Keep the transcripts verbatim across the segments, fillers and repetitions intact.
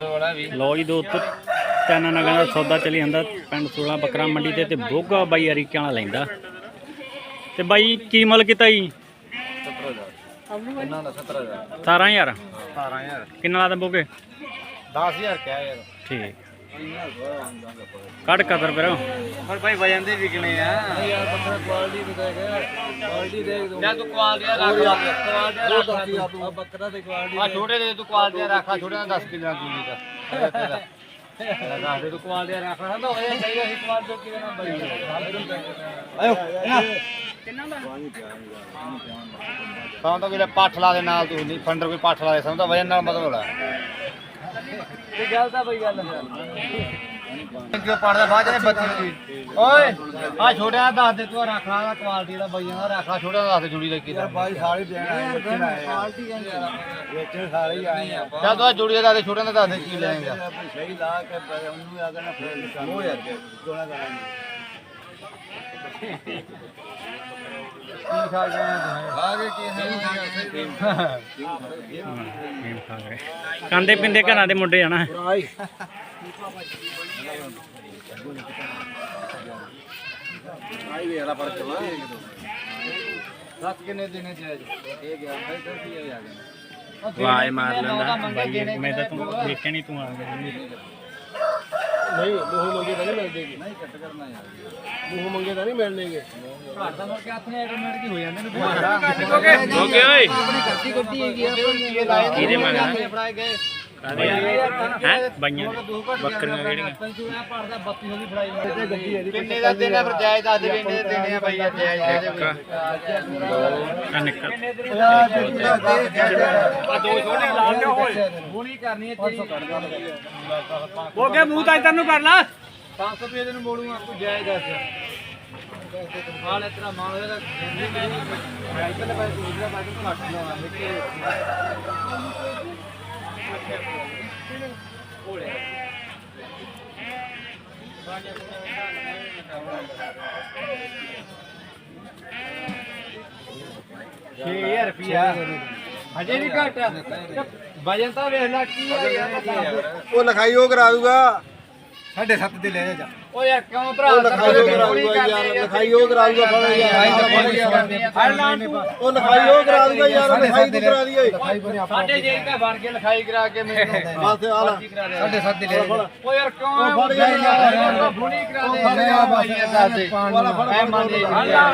लो जी दोस्तों तीन नगां दा सौदा चली जांदा पिंड सोलह बकरा मंडी ते ते बोगा बाई अरीके वाला लैंदा ते बाई की मुल कीता जी सतारह हज़ार किन्ना लादा बोगे दस हज़ार क्या यार ठीक कट कदर फिर पर भाई वजन दे विकने आ यार बकरा क्वालिटी दिखाएगा क्वालिटी देख दो मैं तू क्वालिटी रख क्वालिटी रख बकरा दे क्वालिटी आ छोटे दे तू क्वालिटी रखा छोटे दा दस किलो दूरी का तेरा लगा दे तू क्वालिटी रख रहा तो ये सही है क्वालिटी की ना बड़ी आयो किन्ना दा ਤਾਂ ਤਾਂ ਕਿਲੇ ਪੱਠ ਲਾ ਦੇ ਨਾਲ ਤੂੰ ਨਹੀਂ ਫੰਡਰ ਕੋਈ ਪੱਠ ਲਾ ਦੇ ਸਮਝਦਾ ਵਜਨ ਨਾਲ ਮਤਲਬ ਹੋਲਾ ਇਹ ਗੱਲ ਤਾਂ ਬਈ ਗੱਲ ਕਿਉਂ ਪੜਦਾ ਬਾਅਦ ਚ ਬੱਤੀ ਓਏ ਆ ਛੋਟਿਆਂ ਦਾ ਦੱਸ ਦੇ ਤੂੰ ਰੱਖ ਲਾ ਕੁਆਲਿਟੀ ਦਾ ਬਈਆਂ ਦਾ ਰੱਖ ਲਾ ਛੋਟਿਆਂ ਦਾ ਦੱਸ ਦੇ ਜੁੜੀ ਦਾ ਕੀ ਦਾ ਬਾਈ ਸਾਰੇ ਦੇਣ ਆਏ ਬੱਚੇ ਆਏ ਕੁਆਲਿਟੀ ਕਹਿੰਦੇ ਯਾਰ ਵੇਚਣ ਸਾਰੇ ਹੀ ਆਏ ਆ ਚੱਲ ਤੂੰ ਜੁੜੀ ਦਾ ਦੱਸ ਦੇ ਛੋਟਿਆਂ ਦਾ ਦੱਸ ਦੇ ਕੀ ਲੈਂਗਾ ਸਹੀ ਲਾ ਕੇ ਉਹਨੂੰ ਆ ਨਾ ਫੇਰ ਉਹ ਯਾਰ ਦੋਣਾ ਕਰਾਂਗੇ ਖਾਂਦੇ ਪਿੰਦੇ ਘਰਾਂ ਦੇ ਮੁੰਡੇ ਆਣਾ ਵਾਹ ਮਾਰ ਲੈਂਦਾ ਮੈਂ ਤਾਂ ਤੂੰ ਦੇਖਿਆ ਨਹੀਂ ਤੂੰ ਆ ਗਿਆ नहीं मुँह मंगे तो नहीं मिल देगी नहीं कट करना यार मुँह मंगे तो नहीं मिल देंगे घर दा मुड़ के अपने ऑटोमेटिक ही हो जांदे ने ओके ओए अपनी गलती गलती है ये लाए किदे मंगना फड़ाए गए कादे हैं बाईयां बकरियां केड़ियां पंचूड़ा पड़दा बत्ती होगी फड़ाई ते गड्डी है किन्ने दा देना फिर जायज दस दे किन्ने दे देने भाई जायज दे दे आ निकल आ दो छोटे ला के होए होनी करनी है तेरी हो गया मुंह ता इधर नु कर ला पाँच सौ रुपये दिन मोड़ूंगा तू जायज दस हाल इतना मान होगा जिंदगी मेरी साइकिल पे दूसरा बाइक को काट लो लेके ओले छह हज़ार रुपया अजे नहीं घट वजन तो वेख ला की ਉਹ ਲਿਖਾਈ ਉਹ ਕਰਾ ਦੂਗਾ साढ़े सत्त दे ले जा ओ यार क्यों भरा लिखाई ਉਹ ਕਰਾ ਦੂਗਾ ਯਾਰ ਲਿਖਾਈ ਉਹ ਕਰਾ ਦੂਗਾ ਫੜ ਯਾਰ ਉਹ ਲਿਖਾਈ ਉਹ ਕਰਾ ਦੂਗਾ ਯਾਰ ਲਿਖਾਈ ਤੂੰ ਕਰਾ ਦੀ ਓਏ साढ़े जे का भर के लिखाई करा के मैंने ਬਸ ਆ ਲੈ साढ़े सत्त दे ले ओ यार क्यों फड़ यार भुनी करा दे वाला फड़ मान दे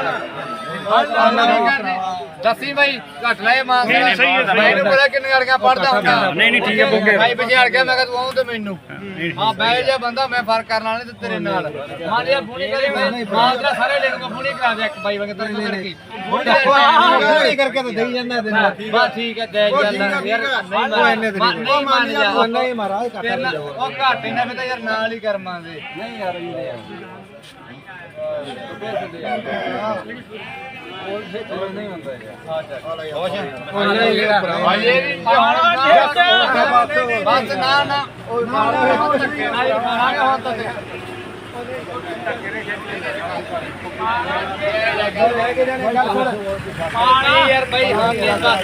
दसी भाई घट ले मान मैंने पता किन्ने गड़ियां पढ़दा हुंदा नहीं नहीं ठीक है बोगे भाई बजाड़ के मैं कह तू आऊं ते मैनू हां बैठ जा बंदा मैं फर्क करना नहीं ते तेरे नाल मान लिया भुनी करे मां तेरा सारे ले लूंगा भुनी करा दे एक भाई वगे तेरे की भुनी करके तो देई जांदा दे बस ठीक है दे जांदा यार नहीं मान जा ਨਹੀਂ ਮਹਾਰਾਜ ਕੱਟ ओ घट इना मैं तो यार नाल ही करमां दे नहीं यार नहीं होता बस ना ना यार भाई हम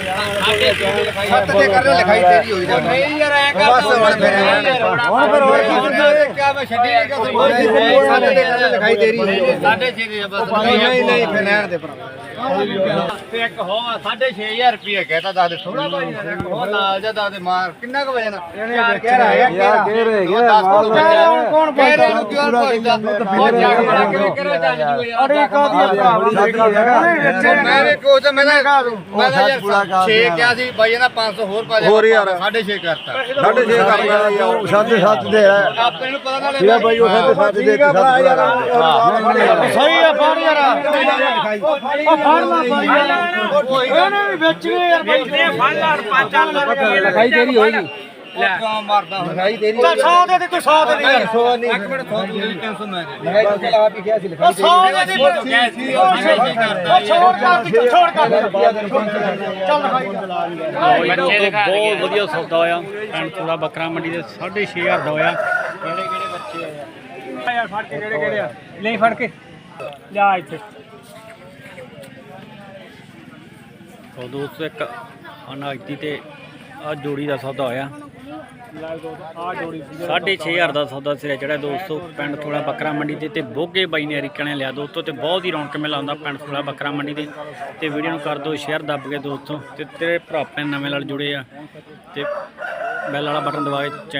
ਲਿਖਾਈ ਤੇਰੀ ਹੋਈ ਜਾ नहीं यार ऐ कर बस ਹੁਣ ਫਿਰ ਹੁਣ ਫਿਰ ਹੋਰ ਕੀ क्या मैं छड्डी नहीं कर ਲਿਖਾਈ ਤੇਰੀ ਹੋਈ साढ़े छे दे बस ਨਹੀਂ ਨਹੀਂ ਫਿਰ ਲੈਣ ਦੇ ਭਰਾ ਤੇ ਇੱਕ ਹੋ ਸਾਢੇ ਛੇ ਹਜ਼ਾਰ ਰੁਪਏ ਕਹਿਤਾ ਦੱਸ ਦੇ ਥੋੜਾ ਭਾਈ ਉਹ ਨਾਲ ਜਾ ਦੱਸ ਦੇ ਮਾਰ ਕਿੰਨਾ ਕੁ ਵਜਨ ਕਹਿ ਰਿਹਾ ਯਾਰ ਕਹਿ ਰਿਹਾ ਯਾਰ ਕੌਣ ਕਹਿ ਰਿਹਾ ਨੂੰ ਕਿਉਂ ਪੁੱਛਦਾ ਉਹ ਜੱਗ ਬਣਾ ਕੇ ਕਰੋ ਚੱਜ ਜੂ ਯਾਰ ਅਰੇ ਕਾਦੀ ਮੈਂ ਵੀ ਕੋਚ ਮੈਂ ਤਾਂ ਮੈਂ ਤਾਂ ਯਾਰ ਛੇ ਕਿਹਾ ਸੀ ਬਾਈ ਇਹਦਾ ਪੰਜ ਸੌ ਹੋਰ ਪਾ ਦੇ ਹੋਰ ਯਾਰ ਸਾਢੇ ਛੇ ਕਰਤਾ ਸਾਢੇ ਛੇ ਕਰ ਲਿਆ ਯਾਰ ਸਾਢੇ ਸੱਤ ਦੇ ਹੈ ਆਪਣੇ ਨੂੰ ਪਤਾ ਨਾ ਇਹ ਬਾਈ ਉਹ ਸਾਢੇ ਸੱਤ ਦੇ ਕੇ ਸੱਤ ਯਾਰ ਸਹੀ ਆ ਫੜ ਯਾਰ ਉਹ ਫੜ ਲਾ ਬਾਈ ਇਹਨੇ ਵੀ ਵੇਚਣੇ ਯਾਰ ਵੇਚਦੇ ਫੜ ਲਾ ਪੰਜ ਚਾਰ ਰੁਪਏ ਲਿਖਾਈ ਤੇਰੀ ਹੋਏਗੀ ਲੈ ਕਿਉਂ ਮਾਰਦਾ ਹੁਣ ਲਿਖਾਈ ਤੇਰੀ ਚੱਲ ਸੌ ਦੇ ਦੇ ਤੂੰ ਸੌ ਦੇ ਦੇ ਯਾਰ ਸੌ ਨਹੀਂ ਇੱਕ ਮਿੰਟ ਸੌ ਦੇ ਤਿੰਨ ਸੌ ਮੈਂ ਦੇ ਲਿਖਾਈ ਤੂੰ ਆਪ ਹੀ ਕਿਹਾ ਸੀ ਲਿਖਾਈ ਸੌ ਦੇ ਦੇ ਉਹ ਛੋੜ ਕਰ ਦੀ ਛੋੜ ਕਰ ਚੱਲ ਬੱਚੇ ਬਹੁਤ ਵਧੀਆ ਸੌਦਾ ਹੋਇਆ ਪਿੰਡ ਚੂੜਾ ਬੱਕਰਾ ਮੰਡੀ ਦੇ ਸਾਢੇ ਛੇ ਹਜ਼ਾਰ ਦਾ ਹੋਇਆ ਕਿਹੜੇ ਕਿਹੜੇ ਬੱਚੇ ਆ ਯਾਰ ਫੜ ਕੇ ਕਿਹੜੇ ਕਿਹੜੇ ਆ ਨਹੀਂ ਫੜ ਕੇ ਲਿਆ ਇੱਥੇ ਉਹ ਦੋਸਤੋ ਇੱਕ ਅਨਾਇਤੀ ਤੇ ਆ ਜੋੜੀ ਦਾ ਸੌਦਾ ਹੋਇਆ ਸਾਢੇ ਛੇ ਹਜ਼ਾਰ ਦਾ ਸੌਦਾ ਸਿਰੇ ਚੜਿਆ ਦੋਸਤੋ ਪਿੰਡ ਥੋੜਾ ਬੱਕਰਾ ਮੰਡੀ ਤੇ ਤੇ ਬੋਗੇ ਬਾਈ ਨੇ ਅਰੀਕਾ ਨੇ ਲਿਆ ਦੋਸਤੋ ਤੇ ਬਹੁਤ ਹੀ ਰੌਣਕ ਮੇਲਾ ਹੁੰਦਾ ਪਿੰਡ ਥੋੜਾ ਬੱਕਰਾ ਮੰਡੀ ਤੇ ਤੇ ਵੀਡੀਓ ਨੂੰ ਕਰ ਦਿਓ ਸ਼ੇਅਰ ਦੱਬ ਕੇ ਦੋਸਤੋ ਤੇ ਤੇਰੇ ਭਰਾ ਆਪਣੇ ਨਵੇਂ ਨਾਲ ਜੁੜੇ ਆ ਤੇ ਬੈਲ ਵਾਲਾ ਬਟਨ ਦਬਾ ਕੇ